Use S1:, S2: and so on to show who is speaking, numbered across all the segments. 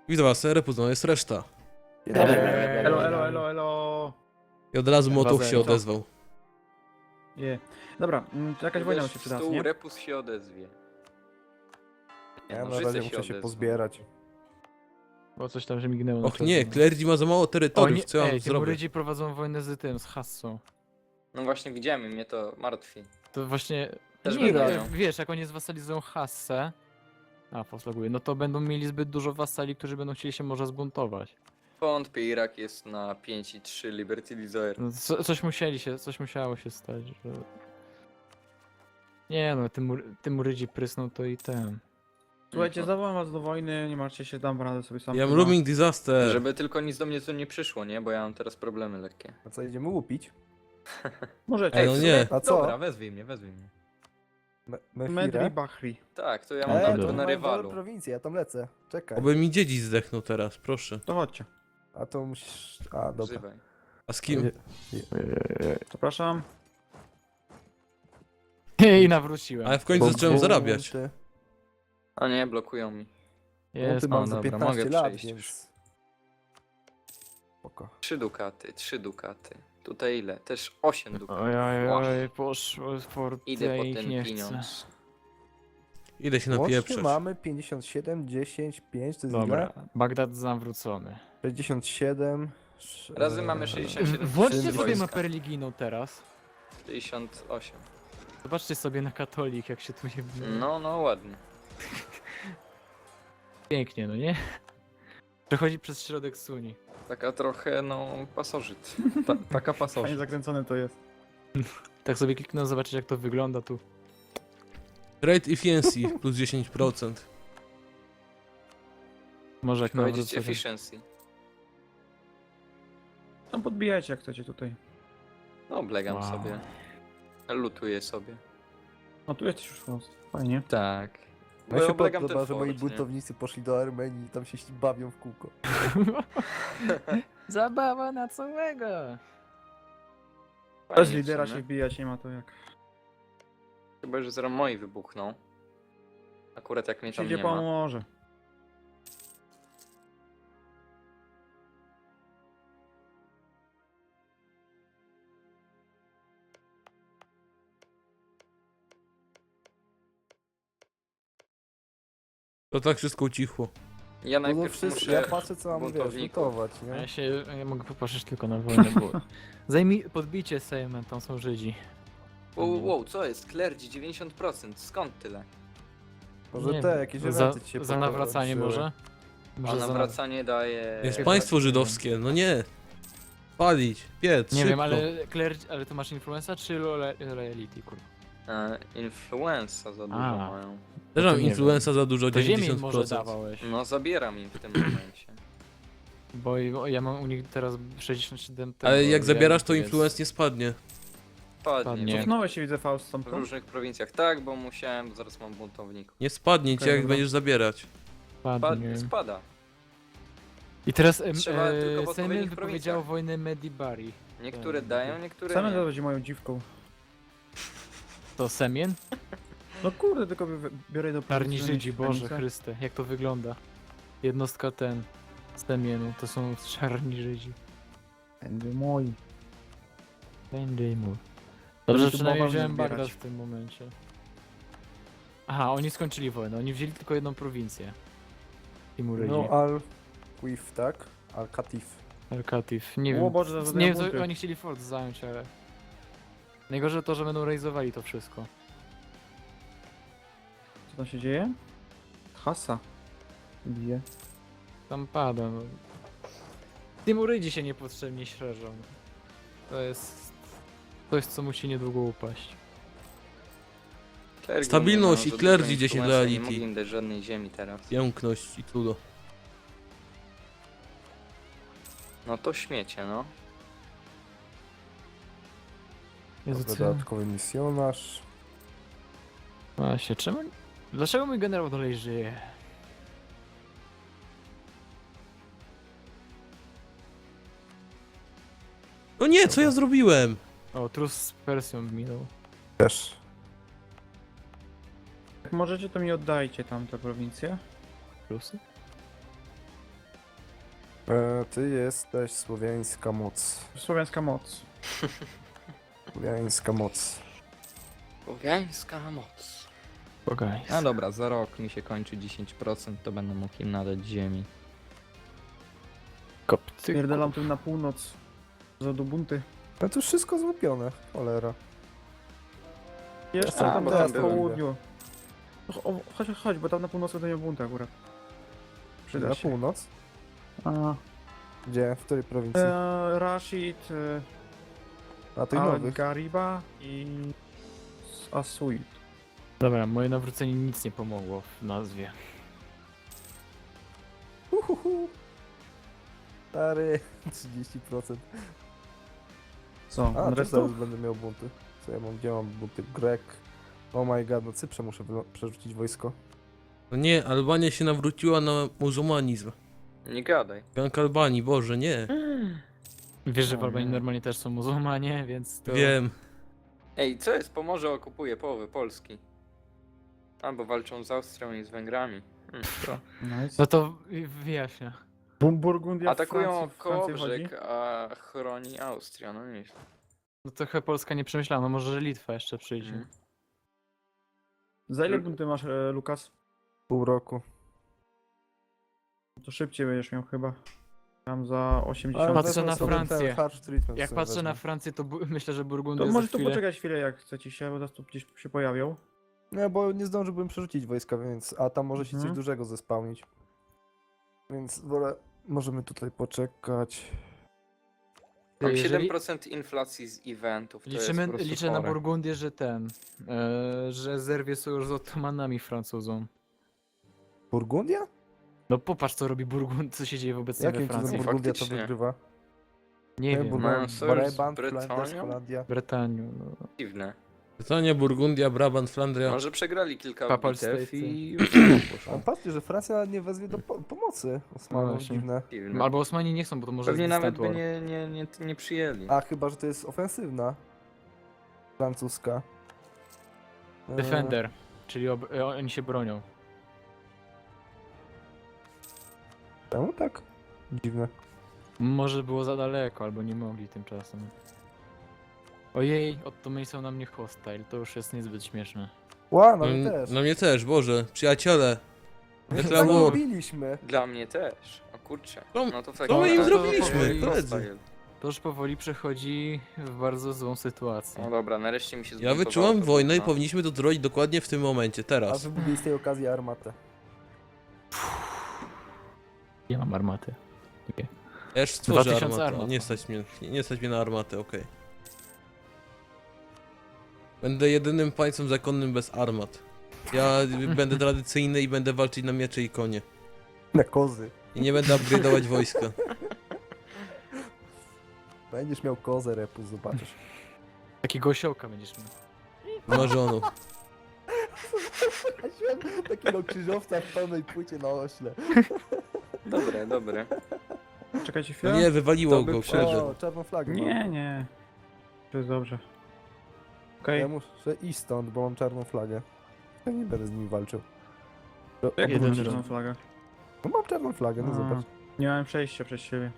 S1: Widzę was, repus, no jest reszta.
S2: Elo, elo, elo, elo.
S1: I od razu Motow
S3: 2-0.
S1: się odezwał.
S2: Je. Dobra, to jakaś wojna mi się przyda, nie?
S4: Repus się odezwie. Nie,
S3: Ja
S4: no,
S3: na
S4: Życe
S3: razie
S4: się
S3: muszę się
S4: odezwą.
S3: pozbierać.
S5: Bo coś tam, że mignęło. na
S1: Och nie,
S5: czerwono.
S1: Clerdzi ma za mało terytoriów, co ja mam
S5: Ej,
S1: zrobić?
S5: Timurydzi prowadzą wojnę z tym, z Hassą.
S4: No właśnie widziałem i mnie to martwi.
S5: To właśnie...
S4: Też
S5: nie,
S4: będą
S5: no,
S4: miał.
S5: wiesz, jak oni zwasalizują Hassę... A, poslaguje. No to będą mieli zbyt dużo wasali, którzy będą chcieli się może zbuntować.
S4: Wątpię, Irak jest na 5,3 Liberty Desire.
S5: No, coś musiało się stać, że... Nie no, Timurydzi prysną to i ten.
S2: Słuchajcie, zawołam was do wojny, nie martwcie się, dam radę sobie sam.
S1: Ja mam
S2: chyba.
S1: looming disaster.
S4: Żeby tylko nic do mnie tu nie przyszło, nie? Bo ja mam teraz problemy lekkie.
S3: A co, idziemy łupić?
S2: Możecie.
S1: Ej, no
S4: w sumie-
S1: nie.
S3: A co?
S4: Dobra, wezwij mnie, wezwij mnie.
S2: Medri
S3: Mefire?
S2: Bahri.
S4: Tak, to ja mam
S5: dobra.
S4: nawet
S3: to
S4: na
S3: mają
S4: rywalu.
S3: dobre prowincje, ja tam lecę. Czekaj.
S1: Oby mi dziedzic zdechnął teraz, proszę.
S2: To chodźcie.
S3: A to musisz... A, dobra.
S4: Wzywaj.
S1: A z kim?
S2: Zapraszam.
S5: I nawróciłem.
S1: Ale w końcu zacząłem zarabiać.
S4: A nie, blokują mi.
S5: Jest,
S3: Ty mam
S4: o,
S3: za
S4: dobra,
S3: 15
S4: mogę
S3: lat,
S4: przejść
S3: więc... Spoko.
S4: 3 dukaty, 3 dukaty. Tutaj ile? Też 8 dukatów.
S5: Oj, poszło sport,
S4: Idę
S5: ja
S4: po
S5: ich
S4: ten
S5: nie chcę.
S4: pieniądz.
S1: Idę się
S3: Łącznie
S1: napieprzeć.
S3: mamy 57, 10, 5, to jest
S5: Dobra,
S3: ile?
S5: Bagdad zawrócony.
S3: 67...
S4: Razy mamy 67
S5: Włączcie
S4: tysięcy
S5: sobie
S4: wojska.
S5: mapę religijną teraz.
S4: 68.
S5: Zobaczcie sobie na katolik, jak się tu nie...
S4: No, no ładnie.
S5: Pięknie, no nie? Przechodzi przez środek Suni.
S4: Taka trochę, no, pasożyt. Taka
S2: Fajnie
S4: pasożyt.
S2: zakręcone to jest.
S5: Tak sobie kliknę, zobaczyć jak to wygląda tu.
S1: Trade efficiency plus 10%.
S5: Może jak
S4: Powiedzieć
S5: nawrócę.
S4: efficiency.
S2: No podbijajcie jak chcecie tutaj.
S4: No, oblegam
S5: Wow.
S4: sobie. Lutuję sobie.
S2: No tu jesteś już w Fajnie.
S4: Tak.
S3: No się
S4: oblegam
S3: podoba,
S4: ten
S3: że moi
S4: fort, nie?
S3: buntownicy poszli do Armenii i tam się bawią w kółko.
S5: Zabawa na całego!
S2: Bez
S4: Fajnie w
S2: lidera
S4: sumie.
S2: się wbijać, nie ma to jak.
S4: Chyba, że zaraz moi wybuchną. Akurat jak mnie tam
S2: Przyjdzie
S4: nie ma.
S2: pomoże.
S1: To tak wszystko ucichło.
S4: Ja
S3: No to
S4: najpierw
S3: wszystko,
S4: muszę...
S3: ja patrzę co mam, wiesz,
S4: buntowników.
S3: lutować,
S5: A
S3: nie?
S5: ja mogę popatrzeć tylko na wojnę, bo... Podbijcie Sejmem, tam są Żydzi.
S4: Wow, co jest? Klerdzi 90%. Skąd tyle?
S3: Może
S5: Nie
S3: te,
S5: wiem,
S3: jakieś
S5: za,
S3: eventy ci się
S5: za nawracanie
S3: pokończyły.
S5: może?
S4: A
S5: Może za
S4: nawracanie daje...
S1: Jest
S5: Chyba
S1: państwo
S5: nie
S1: żydowskie, no nie. Palić, piec,
S5: Nie
S1: szybko.
S5: wiem, ale to masz influenza czy loyalty, kurwa?
S4: Influenza za dużo
S5: A.
S4: mają.
S1: Też
S5: to
S1: mam
S5: nie
S1: influenza za dużo,
S5: To ziemię im może
S1: 90%.
S5: dawałeś,
S4: No zabieram im w tym momencie.
S5: bo ja mam u nich teraz 67
S1: Ale
S5: tego,
S1: jak zabierasz, to
S5: więc-
S1: influence nie spadnie.
S4: Padnie.
S5: Nie.
S2: Cofnąłeś się, widzę, Faust
S4: W
S2: stąd.
S4: różnych prowincjach. Tak, bo musiałem, bo zaraz mam buntowników.
S1: Nie spadnie cię,
S2: Okej,
S1: jak
S2: dobra.
S1: będziesz zabierać.
S5: Padnie.
S4: Spada.
S5: I teraz
S4: Trzeba tylko w odpowiednich
S5: Sejmen wypowiedział
S4: prowincjach.
S5: wojnę Medibari.
S4: Niektóre dają, niektóre
S2: Same to
S4: nie.
S2: będzie moją dziwką.
S5: To Semien?
S2: No kurde, tylko biorę do
S5: Czarni
S2: prowincji,
S5: Żydzi, Boże
S2: granicę.
S5: Chryste, jak to wygląda? Jednostka Semienu, to są czarni Żydzi.
S2: Będzie mój.
S5: Będzie mój. Dobrze,
S2: Będę
S5: że
S2: tu
S5: przynajmniej
S2: bałwan
S5: wziąłem
S2: zbierać.
S5: Bagdad w tym momencie. Aha, oni skończyli wojnę, oni wzięli tylko jedną prowincję. Timurydzi.
S3: No Al-Qif, tak? Al-Katif.
S5: Al-Katif. Nie
S2: O
S5: wiem,
S2: Boże,
S5: nie
S2: zadaję
S5: wiem, co
S2: bunty.
S5: oni chcieli fort zająć, ale... Najgorzej to, że będą rejzowali to wszystko.
S2: Co tam się dzieje? Hasa. Bije.
S5: Tam pada, no. Timurydzi się niepotrzebnie szerzą. To jest... Coś, co musi niedługo upaść.
S4: Klergi
S1: Stabilność
S4: nie ma
S1: i
S4: za
S1: Klerdzi
S4: dużo
S1: 10
S4: influenza,
S1: loyalty.
S4: Nie mogli im dać żadnej ziemi teraz.
S1: Piękność i cudo.
S4: No to śmiecie, no.
S5: Jezu,
S3: Dobra,
S5: co?
S3: dodatkowy misjonarz.
S5: Właśnie, czemu... Dlaczego mój generał dalej żyje?
S1: No nie, co ja zrobiłem?
S5: O, trus z Persją minął.
S3: Też.
S2: Jak możecie, to mi oddajcie tam te prowincje.
S5: Plusy?
S3: Ty jesteś słowiańska moc.
S2: Słowiańska moc.
S3: Słowiańska moc.
S4: Słowiańska moc.
S5: Bogaj.
S6: A dobra, za rok mi się kończy 10%, to będę mógł im nadać ziemi.
S5: Kopcy.
S2: Pierdelam tym na północ. Za do bunty.
S3: No to już wszystko złupione, cholera.
S2: Jeszcze
S4: A,
S2: tam
S4: bo
S2: teraz
S4: tam
S2: w
S4: byłem.
S2: południu. Chodź, bo tam na północy to nie bunty akurat. Przyda
S3: Na
S2: się.
S3: północ?
S2: A,
S3: Gdzie? W której prowincji?
S2: Rashid,
S3: Na tych nowych.
S2: Al-Gariba i Asuid.
S5: Dobra, moje nawrócenie nic nie pomogło w nazwie.
S3: Stary, 30%.
S2: Co?
S3: A, też
S2: Resztą?
S3: zaraz będę miał bunty. Co ja mam? Gdzie mam bunty? Grek. Oh my god, no Cyprze muszę przerzucić wojsko.
S1: No nie, Albania się nawróciła na muzułmanizm.
S4: Nie gadaj.
S1: Gang Albanii, Boże, nie.
S5: Wiesz, że w
S2: O
S5: Albanii
S2: nie.
S5: normalnie też są muzułmanie, więc to...
S1: Wiem.
S4: Ej, co jest? Pomorze okupuje połowę Polski. Albo walczą z Austrią i z Węgrami.
S2: Nice.
S5: No to wyjaśnia.
S2: Burgundia
S4: Atakują
S2: Francji chodzi?
S4: Kołobrzeg, a chroni Austria, no nieźle.
S5: No trochę Polska nie przemyślała, no może że Litwa jeszcze przyjdzie.
S4: Mhm.
S2: Za ile bunty masz, Lukas?
S3: Pół roku.
S2: To szybciej będziesz miał chyba. Tam za 80.
S5: patrzę
S3: wezmę
S5: na
S3: sobie ten
S5: Francję.
S3: harsh treatment
S5: Jak
S3: sobie
S5: patrzę na
S3: wezmę.
S5: Francję, to myślę, że Burgundia
S2: To
S5: za
S2: może tu
S5: chwilę...
S2: poczekać chwilę, jak chce ci się, bo zaraz tu gdzieś się pojawią.
S3: Nie, bo nie zdążyłbym przerzucić wojska, więc... A tam może się coś
S2: Mhm.
S3: dużego zespałnić. Więc wolę... Możemy tutaj poczekać.
S4: Mam
S5: Jeżeli-
S4: 7% inflacji z eventów, to
S5: Liczymy,
S4: jest po prostu
S5: liczę na
S4: chore.
S5: Burgundię, że że zerwie sojusz z Ottomanami Francuzom.
S3: Burgundia?
S5: No popatrz co robi Burgund, co się dzieje wobec niego we
S3: Jakim cudem
S5: Francji.
S3: Burgundia to
S4: Faktycznie.
S3: wygrywa?
S5: Nie wiem,
S4: Mają sojusz z
S3: Brabant, Flanders,
S4: Brytanią?
S3: Holandia.
S5: Brytanią, no.
S4: Dziwne.
S1: Brytania, Burgundia, Brabant, Flandria.
S4: Może przegrali kilka
S5: Papal
S4: bitew
S5: States,
S4: i
S5: tak.
S4: już
S3: A
S4: poszło.
S3: patrzcie, że Francja nawet nie wezwie do pomocy Osmanów,
S5: właśnie.
S3: dziwne.
S4: Dziwne.
S5: Albo Osmani nie chcą, bo to może
S4: Pewnie
S5: jest
S4: nawet
S5: Distant
S4: by
S5: War.
S4: nie przyjęli.
S3: A chyba, że to jest ofensywna. Francuska.
S5: Defender, czyli oni się bronią.
S3: Czemu tak? Dziwne.
S5: Może było za daleko, albo nie mogli tymczasem. Ojej, Ottomani są na mnie hostile, to już jest niezbyt śmieszne.
S3: Ła,
S1: No,
S3: no my też.
S1: no mnie też, Boże. Przyjaciele. Declare
S3: Co
S1: war.
S3: robiliśmy?
S4: Dla mnie też. O kurczę.
S1: Co-
S4: No to w
S1: co
S4: takim
S1: my im
S4: razie-
S1: zrobiliśmy,
S4: to
S1: koledzy?
S4: hostile.
S5: To już powoli przechodzi w bardzo złą sytuację.
S4: No dobra, nareszcie mi się
S1: Ja
S4: zbuntowało
S1: wyczułam
S4: to
S1: wojnę i
S4: gówno.
S1: powinniśmy to zrobić dokładnie w tym momencie,
S3: A
S1: teraz.
S3: wybudili z tej okazji armatę.
S5: Ja mam armaty.
S1: Ja już stworzę
S5: 2000
S1: armatę.
S5: armat.
S1: Nie stać mnie na armatę, okej. Będę jedynym państwem zakonnym bez armat. Ja będę tradycyjny i będę walczyć na miecze i konie.
S3: Na kozy.
S1: I nie będę upgrade'ować wojska.
S3: Będziesz miał kozę, Repus, zobaczysz.
S5: Takiego osiołka będziesz miał.
S1: Marzoną.
S3: Takiego krzyżowca w pełnej płycie na ośle.
S4: Dobre, dobre.
S2: Czekajcie
S1: No
S2: chwilę.
S1: nie, wywaliło
S4: To by
S1: go,
S4: przeżył.
S1: kurde.
S3: O, czarną flagę
S2: Nie,
S3: mam.
S2: nie. To jest dobrze. Okej.
S3: Ja muszę iść stąd, bo mam czarną flagę. Ja nie będę z nimi walczył. To
S2: Jak
S5: jeden
S2: jeden
S5: raz.
S2: czarną flagę?
S3: No mam czarną flagę, no
S2: A,
S3: zobacz.
S2: Nie miałem przejścia przez siebie.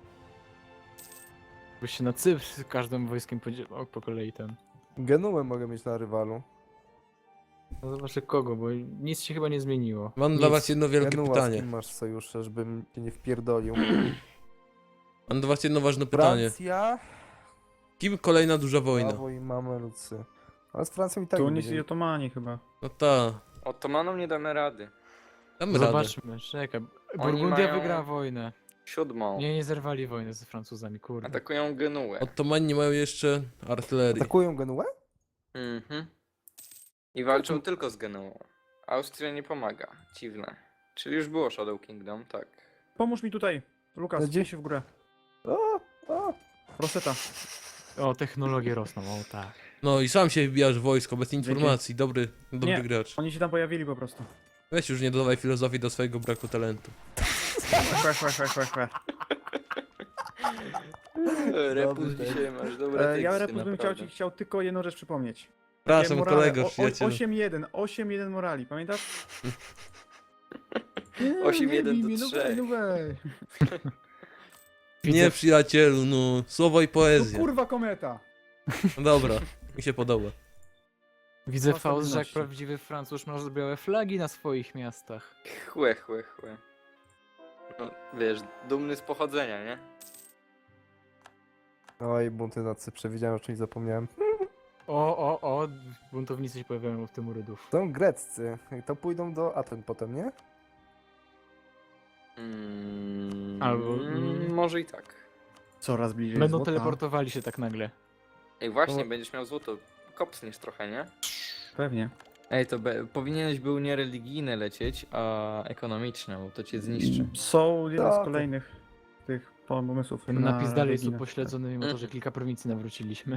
S5: Byś się na Cypr z każdym wojskiem podzielał po kolei ten.
S3: Genuę mogę mieć na rywalu.
S5: No zobaczę kogo, bo nic się chyba nie zmieniło.
S1: Mam
S5: Nic.
S1: dla was jedno wielkie
S3: Genua, z
S1: pytanie.
S3: kim masz sojusze, żebym cię nie wpierdolił?
S1: Mam do was jedno ważne pytanie.
S3: Francja,
S1: Kim kolejna duża wojna?
S3: Prawo i Mamelucy. Ale z Francją i tak
S2: Tunis
S3: będzie.
S2: i Otomani chyba.
S1: No ta.
S4: Otomanom nie damy rady.
S1: Damy radę.
S5: Zobaczmy, czekaj. Burgundia
S4: mają-
S5: wygrała wojnę.
S4: 7.
S5: Nie zerwali wojny z Francuzami, kurde.
S4: Atakują Genuę.
S1: Ottomani nie mają jeszcze artylerii.
S3: Atakują Genuę?
S4: Mhm. I walczą tylko z Genuą. Austria nie pomaga. Dziwne. Czyli już było Shadow Kingdom, tak.
S2: Pomóż mi tutaj. Lukas,
S3: Gdzie?
S2: gdzie się w górę?
S3: O,
S2: Roseta.
S5: O, technologie rosną, o tak.
S1: No i sam się wbijasz w wojsko, bez informacji. Dobry
S2: Nie.
S1: gracz.
S2: Oni się tam pojawili po prostu.
S1: Weź już nie dodawaj filozofii do swojego braku talentu.
S2: Chwe.
S4: Repus
S3: tak.
S4: dzisiaj masz dobre teksty,
S2: Ja Repus bym
S4: naprawdę.
S2: chciał tylko jedną rzecz przypomnieć.
S1: Przepraszam
S2: Morale,
S1: kolego, przyjacielu.
S2: 8-1 morali, pamiętasz?
S4: 8-1 do
S2: Nie,
S4: 3.
S2: no weź.
S1: Nie, przyjacielu, no. Słowo i
S2: No
S1: poezja.
S2: kurwa kometa!
S1: No dobra, mi się podoba.
S5: Widzę,
S2: Dwa
S5: Faust, że jak
S2: stabilności.
S5: prawdziwy Francuz masz białe flagi na swoich miastach.
S4: Chłe. No, wiesz, dumny z pochodzenia, nie?
S3: Oj, bunty na Cyprze, widziałem, o czymś zapomniałem.
S5: O, buntownicy się pojawiają w tym Rydów.
S3: Są greccy, to pójdą do Aten potem, nie?
S5: Albo-
S4: Może i tak.
S2: Coraz bliżej
S5: Będą
S2: złota.
S5: teleportowali się tak nagle.
S4: Ej, właśnie,
S3: No.
S4: będziesz miał złoto. Kopsniesz trochę, nie?
S2: Pewnie.
S6: Ej, to powinieneś był nie religijny lecieć, a ekonomiczny, bo to cię zniszczy.
S2: Są jeden
S3: Tak.
S2: z kolejnych tych pomysłów.
S5: Ten
S2: na
S5: napis dalej jest
S2: religijne.
S5: upośledzony, mimo to, że kilka prowincji nawróciliśmy.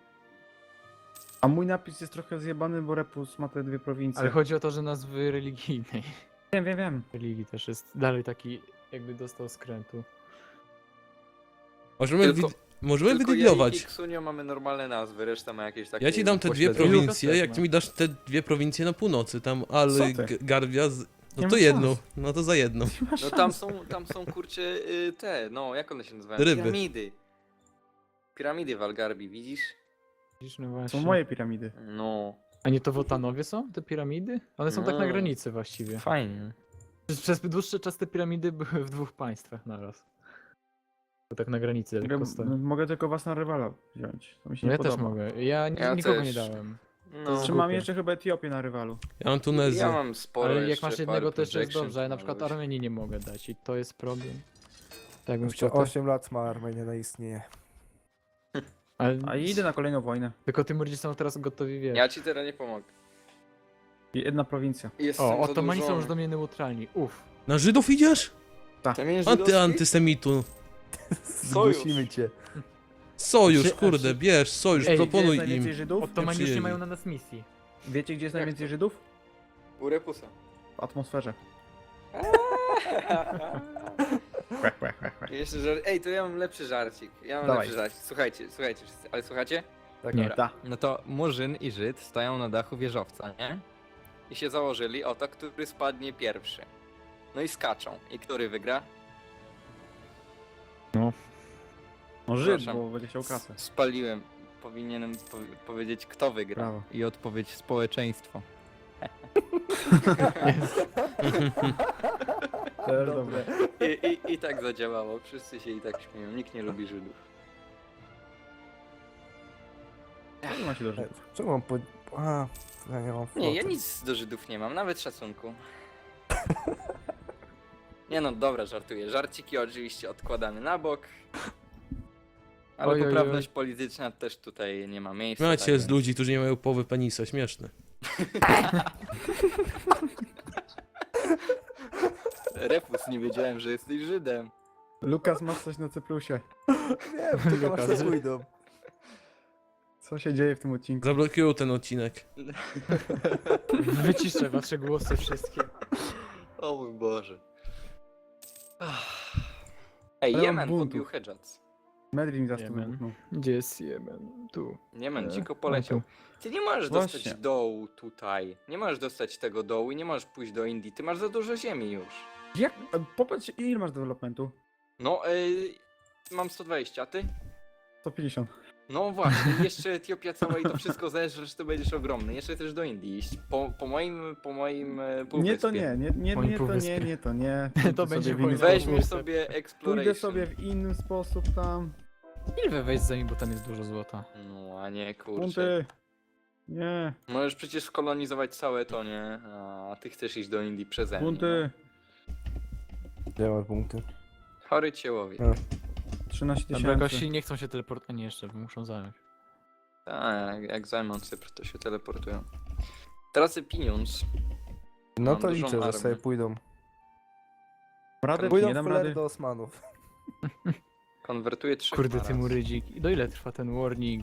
S2: A mój napis jest trochę zjebany, bo Repus ma te dwie prowincje.
S5: Ale chodzi o to, że nazwy religijnej.
S2: Wiem.
S5: Religii też jest dalej taki, jakby dostał skrętu.
S1: Możemy,
S4: Tylko-
S1: możemy
S4: Tylko ja i
S1: wydublować.
S4: Kiksunio mamy normalne nazwy, reszta ma jakieś takie...
S1: Ja ci dam te dwie
S4: pośledzone.
S1: prowincje,
S5: też
S1: jak
S5: ma.
S1: ty mi dasz te dwie prowincje na północy, tam Al,
S2: Co ty?
S1: Garbia,
S2: Nie
S1: no
S2: ma
S1: to jedną,
S2: szans.
S1: no to za jedną.
S4: No tam są kurcze te, no jak one się nazywają?
S1: Ryby.
S4: Piramidy. Piramidy w Algarbi, widzisz?
S5: Widzisz, no właśnie.
S2: Są moje piramidy.
S4: No.
S5: A nie to w Otanowie są te piramidy? One są tak na
S4: No.
S5: granicy właściwie.
S6: Fajnie.
S5: Przez dłuższy czas te piramidy były w dwóch państwach naraz. To tak na granicy tylko stoją.
S2: Mogę tylko was na rywala wziąć. To mi się
S5: No
S2: nie
S5: ja
S2: podoba.
S5: też mogę. Ja
S4: Ja
S5: nikogo
S4: też.
S5: nie dałem.
S4: No.
S2: Czy mam
S5: Głupie.
S2: jeszcze chyba Etiopię na rywalu?
S1: Ja mam Tunezję.
S4: Ja mam sporo
S5: Ale jak
S4: jeszcze,
S5: masz
S4: parę
S5: jednego, to jeszcze jest
S4: projection,
S5: dobrze, a ja na
S4: to
S5: przykład
S4: może być.
S5: Armenii nie mogę dać i to jest problem. Tak bym
S3: Jeszcze
S5: chciał.
S3: 8 lat ma Armenia na istnieje.
S5: Ale...
S2: A idę na kolejną wojnę.
S5: Tylko Tymurdzi są teraz gotowi, wiesz.
S4: Ja ci teraz nie pomogę.
S2: I jedna prowincja.
S4: Jestem
S5: O, Ottomani są
S4: zadłużony.
S5: już do mnie neutralni. Uff.
S1: Na Żydów idziesz?
S4: Kamień żydowski?
S1: Antysemitu.
S3: Zgłosimy cię.
S1: Sojusz,
S2: Czy-
S1: kurde, bierz, sojusz,
S5: Ej,
S2: Gdzie jest
S1: proponuj
S2: najwięcej
S1: im.
S2: Żydów?
S5: Ottomani już nie
S1: przyjęli.
S5: mają na nas misji.
S2: Wiecie gdzie jest
S4: Jak
S2: najwięcej
S4: to?
S2: Żydów?
S4: U Repusa.
S2: W atmosferze.
S4: Jeszcze Ej, to ja mam lepszy żarcik. Ja mam
S2: Dawaj.
S4: lepszy żarcik. Słuchajcie wszyscy. Ale słuchacie?
S3: Tak,
S5: Nie.
S3: dobra.
S2: Da.
S6: No to Murzyn i Żyd stoją na dachu wieżowca, nie?
S4: I się założyli o to, który spadnie pierwszy. No i skaczą. I który wygra?
S2: No Żyd,
S4: Przepraszam.
S2: bo będzie chciał kasę.
S4: Spaliłem. Powinienem powiedzieć, kto wygra.
S2: Brawo.
S6: I odpowiedź społeczeństwo.
S2: Też dobre.
S4: I tak zadziałało. Wszyscy się i tak śmieją. Nikt nie lubi Żydów.
S2: Nie ma się do Żydów.
S3: Czemu mam po... A, ja nie mam
S4: Nie, ja
S3: floty.
S4: nic do Żydów nie mam, nawet szacunku. Nie no, dobra, żartuję. Żarciki oczywiście odkładamy na bok. Ale
S5: Oj, oj, oj.
S4: poprawność polityczna też tutaj nie ma miejsca.
S1: Macie
S4: tak
S1: z
S4: więc-
S1: ludzi, którzy nie mają połowy penisa, śmieszne.
S4: Repus, nie wiedziałem, że jesteś Żydem.
S2: Lukas, masz coś na Cyprusie.
S3: Nie, tylko masz
S5: Lukas.
S3: to pójdą.
S2: Co się dzieje w tym odcinku?
S1: Zablokują ten odcinek.
S5: Wyciszę wasze głosy wszystkie.
S4: O mój Boże. Ej,
S2: Ale mam
S4: Jemen
S2: buntu.
S4: pobił Hedżac.
S2: Medrin mi za stół
S5: Jemen.
S2: wybuchnął.
S5: Gdzie jest Jemen? Tu.
S4: Jemen
S5: E,
S4: dziko poleciał.
S5: o,
S4: Ty nie możesz
S2: Właśnie.
S4: dostać dołu tutaj. Nie możesz dostać tego dołu i nie możesz pójść do Indii. Ty masz za dużo ziemi już.
S2: Jak? Popatrz, ile masz developmentu?
S4: No, mam 120, a ty?
S2: 150.
S4: No właśnie, jeszcze Etiopia cała i to wszystko zeżresz, to będziesz ogromny. Jeszcze też do Indii iść. Po moim półwyspie.
S2: Nie to nie
S5: Moim
S2: to nie,
S5: półwyspie.
S2: nie to nie.
S5: To
S2: Pójdę
S5: będzie
S2: sobie w inny
S5: moim
S2: sposób.
S4: Weźmiesz sobie exploration.
S2: Pójdę sobie w inny sposób tam.
S5: Ile wejść za nim, bo tam jest dużo złota.
S4: No, a nie, kurczę.
S2: Bunty. Nie.
S4: Możesz przecież skolonizować całe to, nie? A ty chcesz iść do Indii przeze mnie.
S2: Bunty.
S3: Gdzie masz punkty?
S4: Chory ciełowie.
S2: 13
S5: Dobra,
S2: tysięcy.
S5: gości nie chcą się teleportować. Nie, jeszcze muszą zająć.
S4: Tak, jak zajmą Cypr, to się teleportują. Tracę pieniądz.
S3: No
S4: Mam
S3: to
S4: dużą
S3: liczę, że
S4: armię.
S3: sobie pójdą.
S2: Radę
S3: Pójdą
S2: nie
S3: w
S2: dam
S3: cholerę
S2: rady.
S3: do Osmanów.
S4: Konwertuję 3
S5: Kurde,
S4: naraz.
S5: Tymurydzik. I do ile trwa ten warning?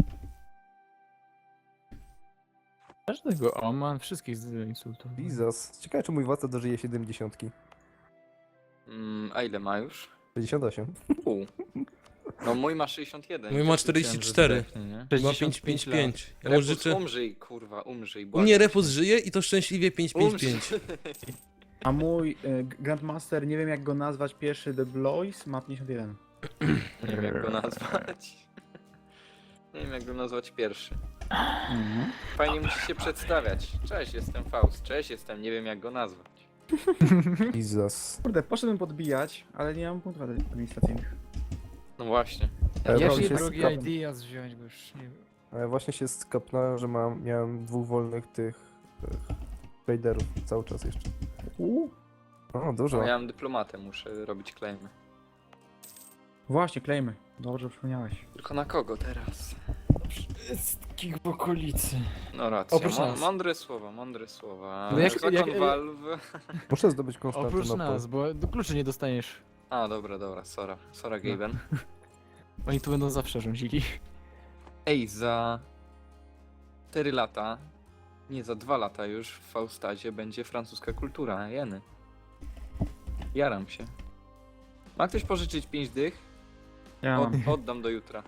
S5: Każdego Oman, wszystkich insultów.
S3: Jesus. Ciekawe, czy mój władca dożyje 70.
S4: A ile ma już?
S3: 68.
S4: No mój ma 61.
S1: Mój ma 44.
S6: Zdechnie, nie?
S1: Ma
S5: 65
S1: 555. Ja mu
S4: Repus,
S1: życzę...
S4: umrzyj, kurwa, umrzyj.
S1: U mnie Repus żyje i to szczęśliwie 555.
S2: A mój Grandmaster, nie wiem jak go nazwać, pierwszy The Blois ma 51.
S4: Nie wiem jak go nazwać. Nie wiem jak go nazwać pierwszy. Fajnie musi się przedstawiać. Cześć, jestem Faust. Cześć, jestem. Nie wiem jak go nazwać.
S3: Jesus.
S2: Kurde, poszedłem podbijać, ale nie mam punktów administracyjnych.
S4: No właśnie.
S3: Ja
S5: Ja
S3: właśnie
S5: się
S3: się
S5: drugi
S3: skapnę.
S5: ideas wziąć, bo już nie wiem.
S3: A ja właśnie się skapnąłem, że miałem 2 wolnych tych traderów cały czas jeszcze. O, dużo.
S4: No, ja mam dyplomatę, muszę robić claimy.
S2: Właśnie, klejmy. Dobrze przypomniałeś.
S4: Tylko na kogo teraz?
S5: Wszystkich w okolicy.
S4: No racja.
S5: Oprócz nas.
S4: Mądre słowa, mądre słowa.
S5: No jak-
S4: Zakon
S5: jak-
S4: Valve.
S3: Muszę zdobyć
S5: Oprócz
S3: Konstantynopol.
S5: nas, bo do kluczy nie dostaniesz.
S4: A, dobra, Sora. Sora Gaben.
S5: Oni tu będą zawsze rządzili.
S4: Ej, za 4 lata, nie, za 2 lata już w Faustadzie będzie francuska kultura, jeny. Jaram się. Ma ktoś pożyczyć 5 dych?
S2: Ja mam.
S4: Oddam do jutra.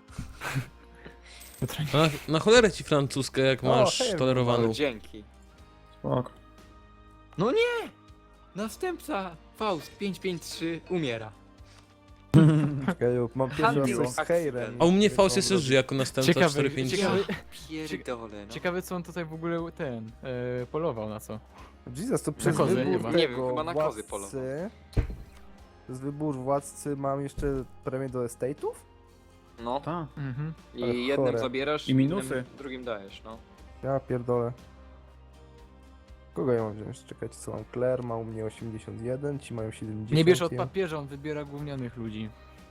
S1: Na cholerę ci francuskę, jak
S3: O,
S1: masz
S3: hej,
S1: tolerowaną.
S4: No, dzięki.
S2: Spoko.
S6: No nie! Następca Faust 553 umiera.
S3: Czekaj, mam pierwszy raz
S4: Handel
S3: coś z Heirem.
S1: A u mnie Faust jeszcze żyje jako następca
S5: Ciekawe,
S1: 453.
S5: ciekawe,
S4: Pierdolę, no.
S5: ciekawe co on tutaj w ogóle polował na co.
S3: Jesus, to przez
S5: kozy
S3: wybór
S5: nie ma.
S3: tego
S4: Nie wiem, chyba na kozy
S3: władcy... Przez wybór władcy mam jeszcze premię do estate'ów?
S4: No,
S5: Mhm.
S3: Ale
S4: i jednym
S3: chore.
S2: I
S4: zabierasz,
S2: minusy.
S4: innym drugim dajesz, no.
S3: Ja pierdolę. Kogo ja mam wziąć? Czekajcie, co mam? Claire ma u mnie 81, ci mają 70.
S5: Nie bierz od papieża, on wybiera gównianych ludzi.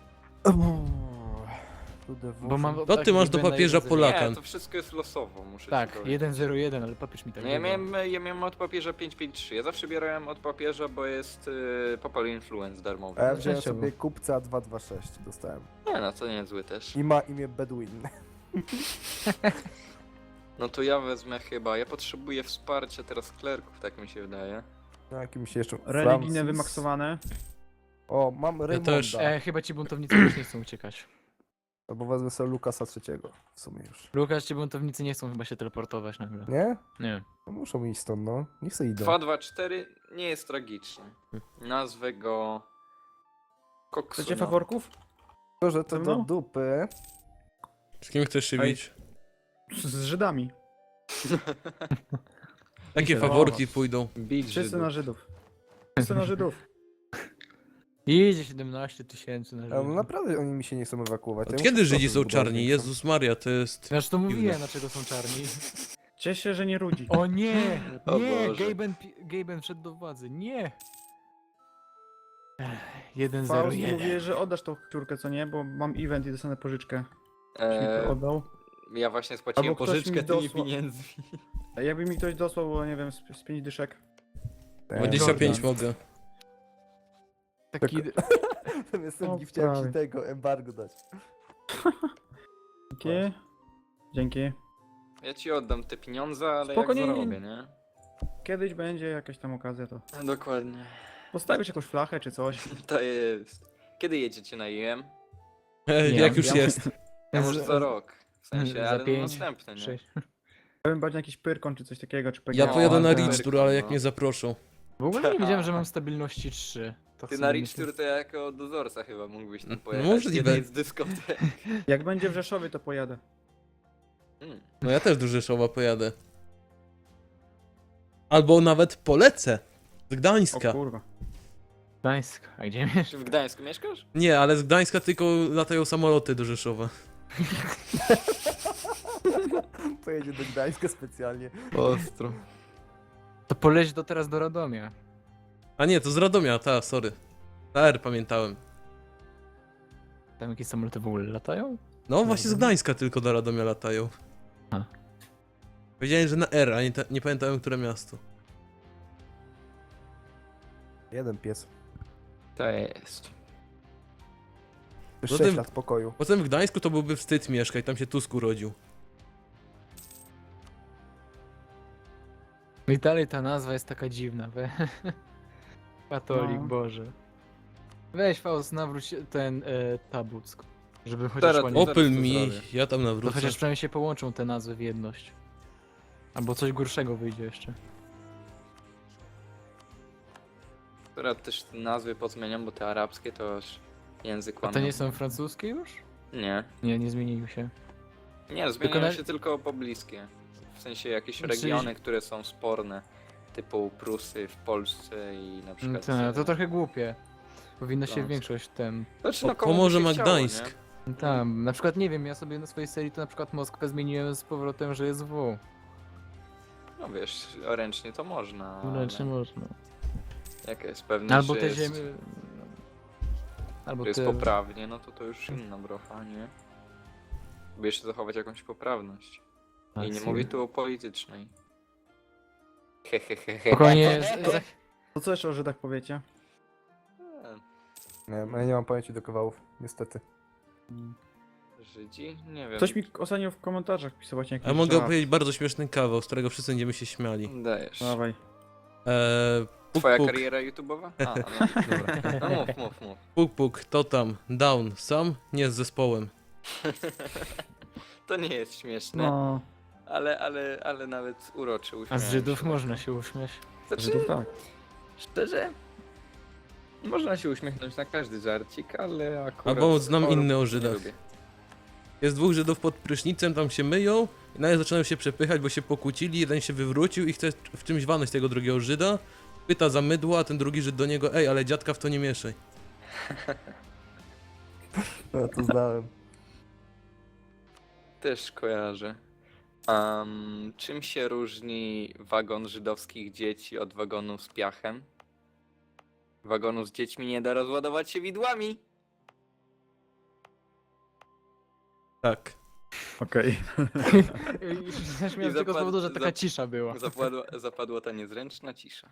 S3: Bo
S5: mam
S1: To ty masz do papieża Polaka.
S4: Nie, to wszystko jest losowo, muszę ci
S5: Tak,
S4: powiedzieć.
S5: 101, ale papież mi tak
S4: No ja
S5: powiedział.
S4: miałem od papieża 553. Ja zawsze bierałem od papieża, bo jest Papal Influence darmowy.
S3: A ja wziąłem
S5: Częściowo.
S3: sobie kupca 226, dostałem.
S4: Nie no, to nie zły też.
S3: I ma imię Bedouin.
S4: No to ja wezmę chyba. Ja potrzebuję wsparcia teraz klerków, tak mi się wydaje.
S3: Na jakim się jeszcze...
S2: Religijne
S3: Francis.
S2: wymaksowane.
S3: O, mam Raymonda.
S1: też.
S5: Chyba ci buntownicy już nie chcą uciekać.
S3: Albo wezmę sobie Lukasa III w sumie już.
S5: Lukasz, ci buntownicy nie chcą chyba się teleportować nagle.
S3: Nie?
S5: Nie.
S3: No muszą iść stąd, no. Niech se idą.
S4: 224 nie jest tragiczny. Nazwę go...
S2: Chcecie
S4: Koksuno.
S2: faworków?
S3: To, że to
S2: Ze
S3: do
S2: mną?
S3: dupy.
S1: Z kim chcesz się
S2: Ej.
S1: bić?
S2: Z Żydami.
S1: Jakie faworki pójdą?
S4: Bić
S2: Wszyscy
S4: Żydów.
S2: na Żydów. Wszyscy na Żydów.
S5: Idzie 17 000 na
S3: A no
S5: życie.
S3: naprawdę oni mi się nie chcą ewakuować.
S1: Od
S3: Ja
S1: kiedy
S3: muszę
S1: Żydzi
S3: procent
S1: są
S3: budowy
S1: czarni?
S3: zwiększam.
S1: Jezus Maria, to jest...
S5: Zresztą to mówiłem,
S1: Dziwne.
S5: dlaczego są czarni.
S2: Cieszę się, że nie rudzi.
S5: O nie!
S4: O
S5: Nie!
S4: Boże.
S5: Gaben wszedł do władzy. Nie!
S2: Faust
S5: 1-0-1.
S2: mówi, że oddasz tą piórkę, co nie? Bo mam event i dostanę pożyczkę. Ktoś mi to
S4: Eee,
S2: oddał.
S4: ja właśnie spłaciłem
S2: Albo ktoś
S4: pożyczkę
S2: mi
S4: tymi
S2: dosła-
S4: pieniędzmi.
S2: A jakby mi ktoś dosłał, bo nie wiem, z 5 dyszek.
S1: 25
S5: Jordan.
S1: mogę.
S5: Taki...
S3: Jestem
S2: O,
S3: chciałem
S2: prawie.
S3: ci tego embargo dać.
S2: Dzięki. Dzięki.
S4: Ja ci oddam te pieniądze, ale
S2: Spoko,
S4: jak
S2: nie-
S4: zarobię, nie?
S2: Kiedyś będzie jakaś tam okazja, to
S4: Dokładnie.
S2: postawisz jakąś flachę czy coś.
S4: To jest. Kiedy jedziecie na IM?
S5: Nie,
S1: Jak już
S5: ja-
S1: jest.
S4: Ja może za rok. W sensie,
S5: Za
S4: ale no
S5: 5,
S4: następny, nie?
S5: 6.
S2: Ja bym bardziej na jakiś pyrkon czy coś takiego, czy
S1: Ja
S2: PGA.
S1: pojadę na
S4: tak.
S1: Rich Tour, ale jak
S4: No.
S1: mnie zaproszą.
S5: W ogóle nie wiedziałem, że mam stabilności 3. To
S4: Ty
S5: w
S4: na
S5: sumie
S4: Rich Tour to jako dozorca chyba mógłbyś tam
S1: No,
S4: pojechać.
S1: możliwe.
S4: Jednej z dyskotek.
S2: Jak będzie w Rzeszowie, to pojadę.
S1: No ja też do Rzeszowa pojadę. Albo nawet polecę. Z
S2: O
S1: Gdańska.
S2: kurwa.
S5: Gdańsk. A gdzie mieszkasz?
S4: Czy w Gdańsku mieszkasz?
S1: Nie, ale z Gdańska tylko latają samoloty do Rzeszowa.
S3: Pojedzie do Gdańska specjalnie.
S6: Ostro.
S5: To poleć teraz do Radomia.
S1: A nie, to z Radomia, sorry. Na R pamiętałem.
S5: Tam jakieś samoloty w ogóle latają?
S1: No właśnie z Gdańska tylko do Radomia latają.
S5: A.
S1: Powiedziałem, że na R, a nie pamiętałem, które miasto.
S3: Jeden pies.
S4: To jest.
S3: Już
S1: Zatem-
S3: 6 lat pokoju.
S1: Potem w Gdańsku to byłby wstyd mieszkać, tam się Tusk urodził.
S5: I dalej ta nazwa jest taka dziwna. Katolik,
S2: No.
S5: Boże. Weź Faust, nawróć ten Tabuck. Żeby chociaż
S4: Teraz-
S5: ładnie...
S4: Zaraz
S1: Opel
S4: to
S1: mi,
S4: zrobię.
S1: ja tam
S5: To
S1: nawrócę.
S5: chociaż przynajmniej się połączą te nazwy w jedność. Albo coś gorszego wyjdzie jeszcze.
S4: Teraz też te nazwy pozmieniam, bo te arabskie to aż język
S5: A to
S4: łamną.
S5: nie są francuskie już?
S4: Nie.
S5: Nie, nie zmieniły się.
S4: Nie, zmieniają
S5: na-
S4: się tylko pobliskie. W sensie jakieś
S5: Czyli-
S4: regiony, które są sporne. Typu Prusy w Polsce i na przykład...
S5: To trochę głupie. Powinno się
S4: Francja.
S5: większość tem.
S4: Znaczy, no, komu by
S1: Pomoże
S4: się
S1: ma
S4: chciało,
S1: Gdańsk.
S4: nie?
S5: Tam, na przykład nie wiem, ja sobie na swojej serii to na przykład Moskwę zmieniłem z powrotem, że jest W.
S4: No wiesz, ręcznie to można,
S5: Ręcznie
S4: ale
S5: można.
S4: jak jest pewny,
S5: Albo
S4: że
S5: te
S4: jest,
S5: ziemie... Albo
S4: że jest
S5: te...
S4: poprawnie, no to już inna brocha, nie? By jeszcze zachować jakąś poprawność. I nie
S5: Rację.
S4: mówię tu o politycznej. Hehehehe.
S5: Spokojnie,
S2: To co jeszcze o Żydach powiecie?
S3: Nie, ja nie mam pamięci do kawałów, niestety.
S4: Żydzi? Nie wiem.
S2: Ktoś mi ostatnio w komentarzach pisał właśnie jakiś
S1: Ja mogę
S2: żart.
S1: opowiedzieć bardzo śmieszny kawał, z którego wszyscy będziemy się śmiali.
S4: Dajesz.
S2: Dawaj.
S1: Puk,
S4: Twoja
S1: puk,
S4: kariera YouTube'owa? A, no dobra. No mów.
S1: puk, puk, to tam, down, sam, nie z zespołem.
S4: To nie jest śmieszne,
S2: No,
S4: ale nawet uroczy
S5: A
S4: uśmiech.
S5: z Żydów można się uśmiać.
S4: Znaczy,
S2: Żydów tak.
S4: szczerze, można się uśmiechnąć na każdy żarcik, ale akurat...
S1: Albo znam
S4: chorób
S1: inny o
S4: nie
S1: Żydach.
S4: lubię.
S1: Jest dwóch Żydów pod prysznicem, tam się myją i nagle zaczynają się przepychać, bo się pokłócili, jeden się wywrócił i chce w czymś walnąć tego drugiego Żyda. Pyta za mydło, a ten drugi Żyd do niego, ej, ale dziadka w to nie mieszaj.
S3: Ja to znałem.
S4: Też kojarzę. Czym się różni wagon żydowskich dzieci od wagonu z piachem? Wagonu z dziećmi nie da rozładować się widłami.
S1: Tak.
S2: Okej.
S5: Zaśmiałem tylko z powodu, że taka cisza była.
S4: Zapadła ta niezręczna cisza.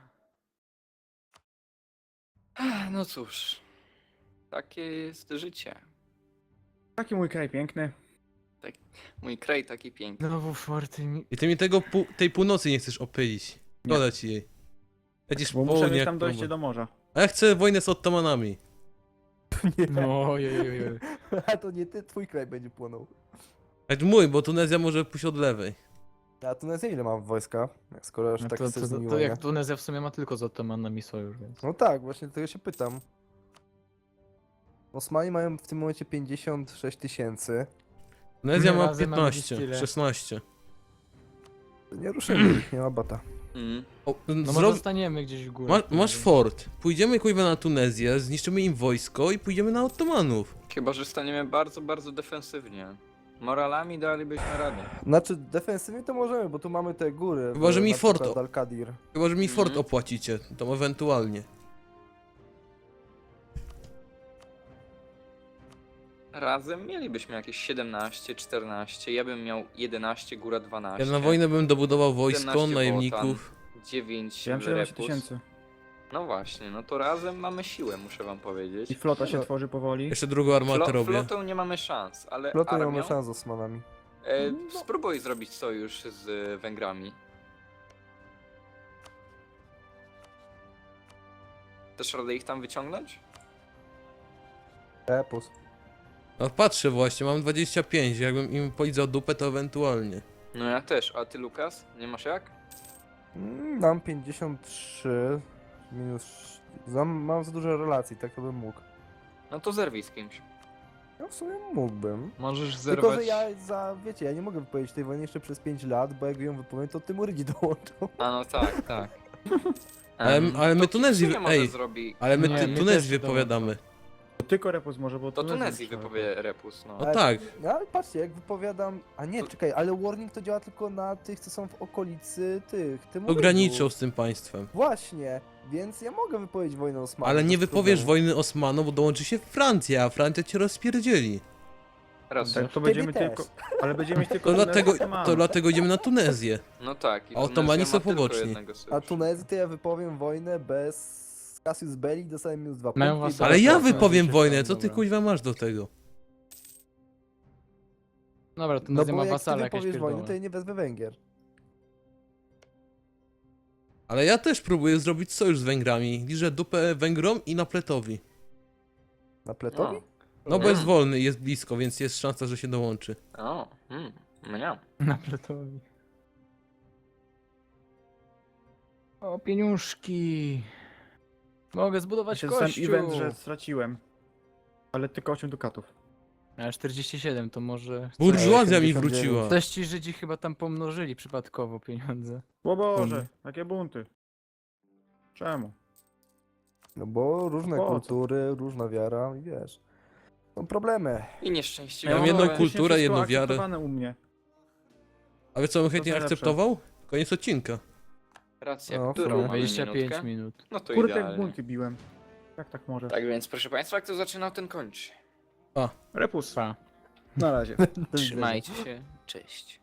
S4: No cóż, takie jest życie.
S2: Taki mój kraj piękny.
S4: Mój kraj taki piękny.
S5: Znowu czwarty mi...
S1: I ty mi tej północy nie chcesz opylić. Szkoda ci jej. Lecisz
S2: Bo muszę
S1: południe
S2: mieć
S1: jak
S2: tam dojście
S1: próba.
S2: do morza.
S1: A ja chcę wojnę z Ottomanami.
S5: No, ojej.
S3: A to nie ty, twój kraj będzie płonął.
S1: Jak mój, bo Tunezja może pójść od lewej.
S3: A Tunezja ile mam wojska? Jak skoro już
S5: No
S3: tak
S5: to,
S3: chcesz
S5: to,
S3: z
S5: to,
S3: nimi
S5: to
S3: wojnę?
S5: jak Tunezja w sumie ma tylko z Ottomanami sojusz, więc...
S3: No tak, właśnie tego się pytam. Osmani mają w tym momencie 56 tysięcy.
S1: Tunezja ma
S5: Razem mamy
S1: 15,
S5: tyle.
S1: 16.
S3: Nie ruszymy ich, nie ma bata.
S1: O,
S5: No może
S1: zrob...
S5: zostaniemy gdzieś w górę.
S1: Masz fort. Pójdziemy kuźwa na Tunezję, zniszczymy im wojsko i pójdziemy na Ottomanów.
S4: Chyba, że staniemy bardzo, bardzo defensywnie. Moralami dalibyśmy radę.
S3: Znaczy, defensywnie to możemy, bo tu mamy te góry.
S1: Chyba, że mi
S3: na
S1: fort
S3: przykład Al-Kadir.
S1: Chyba, że mi fort
S4: Mhm.
S1: opłacicie, to ewentualnie.
S4: Razem mielibyśmy jakieś 17, 14, ja bym miał 11, góra 12.
S1: Ja na wojnę bym dobudował wojsko,
S4: 17
S1: najemników.
S4: 9
S2: Ja mam 17
S4: repus.
S2: tysięcy.
S4: No właśnie, no to razem mamy siłę, muszę wam
S2: I
S4: powiedzieć.
S2: flota się tworzy powoli.
S1: Jeszcze drugą armatę robię.
S4: Flotą nie mamy szans, ale
S3: Flotę nie
S4: armią,
S3: mamy szans z Osmanami.
S4: spróbuj zrobić sojusz z Węgrami. Też radę ich tam wyciągnąć?
S3: Epos.
S1: No patrzę właśnie, mam 25, jakbym im polizał dupę, to ewentualnie.
S4: No ja też, a ty Lukas? Nie masz jak?
S3: Mam 53 minus... Mam za dużo relacji, tak to bym mógł.
S4: No to zerwij z kimś.
S3: No w sumie mógłbym.
S6: Możesz
S3: Tylko,
S6: zerwać...
S3: że wiecie, ja nie mogę wypowiedzieć tej wojny jeszcze przez 5 lat, bo jak ją wypowiem, to Tymurydzi dołączą.
S4: A no tak.
S6: Tak.
S1: Ale my
S4: to
S1: Tunezji-
S4: Kipsunie może
S1: ej.
S4: zrobi...
S1: Ale my
S5: Nie, my
S1: Tunezji
S5: też
S1: wypowiadamy.
S2: Tylko Repus może, bo
S4: To
S2: Tunezja
S4: Tunezji
S2: trzeba.
S4: wypowie Repus, no.
S1: No
S3: Ale-
S1: tak.
S3: No ale patrzcie, jak wypowiadam... A nie, czekaj, ale warning to działa tylko na tych, co są w okolicy tych
S1: To
S3: Tymurydów.
S1: graniczą z tym państwem.
S3: Właśnie, więc ja mogę wypowiedzieć wojnę Osmanom.
S1: Ale nie
S3: bez
S1: wypowiesz
S3: problemu.
S1: wojny Osmanom, bo dołączy się Francja, a Francja cię rozpierdzieli.
S4: Raz.
S2: Tak, to
S3: Ciebie
S2: będziemy
S3: też.
S2: tylko... Ale będziemy mieć tylko
S1: To dlatego,
S2: Tunezję,
S1: to dlatego idziemy na Tunezję.
S4: No tak. I
S1: A Ottomani
S4: Tunezja
S1: są
S4: ma tylko
S1: poboczni.
S4: jednego
S3: A
S4: sojuszu.
S3: Tunezji to ja wypowiem wojnę bez Cassius Belli, dostaję minus 2
S5: Mają
S3: punkty. i
S5: wasala.
S1: Ale ja
S5: tak,
S1: wypowiem
S5: tak,
S1: wojnę,
S5: tak,
S1: co ty
S5: dobra.
S1: kuźwa masz do tego?
S5: Dobra, to
S3: No
S5: Tunezja
S3: bo
S5: ma
S3: jak ty
S5: wasala jakieś
S3: wypowiesz wojnę, to
S5: pierdolone.
S3: ja nie wezmę Węgier.
S1: Ale ja też próbuję zrobić sojusz z Węgrami. Liżę dupę Węgrom i Napletowi.
S3: Na pletowi?
S1: No bo jest wolny i jest blisko, więc jest szansa, że się dołączy.
S4: O, mnie.
S5: Na pletowi. O, pieniążki. Mogę
S2: Ja
S5: zbudować
S2: się dostałem
S5: kościół.
S2: event, że straciłem. Ale tylko 8 dukatów.
S5: A 47 to może...
S1: Burżuazja mi
S3: 89.
S1: wróciła.
S5: Coś ci Żydzi chyba tam pomnożyli przypadkowo pieniądze.
S2: O Boże, jakie bunty. Czemu?
S3: No bo różne
S2: Po co?
S3: kultury, różna wiara i wiesz. Są problemy.
S4: I nieszczęście.
S1: Ja mam
S2: mam
S1: jedną
S2: praktycznie
S1: kulturę,
S2: wszystko
S1: jedną wiarę.
S2: akceptowane u mnie.
S1: A wiesz co bym chętnie
S2: najlepsze.
S1: akceptował? Koniec odcinka.
S4: Racja,
S3: No,
S4: którą
S3: fajnie.
S4: mamy
S5: 25
S4: minutkę?
S5: minut.
S4: No to
S2: Kurde, jak
S4: idealnie.
S2: bunty biłem. Jak tak może?
S4: Tak więc, proszę państwa, kto zaczynał, ten kończy.
S2: Repus.
S5: Pa.
S2: Na razie.
S3: Do widzenia.
S4: Trzymajcie się, cześć.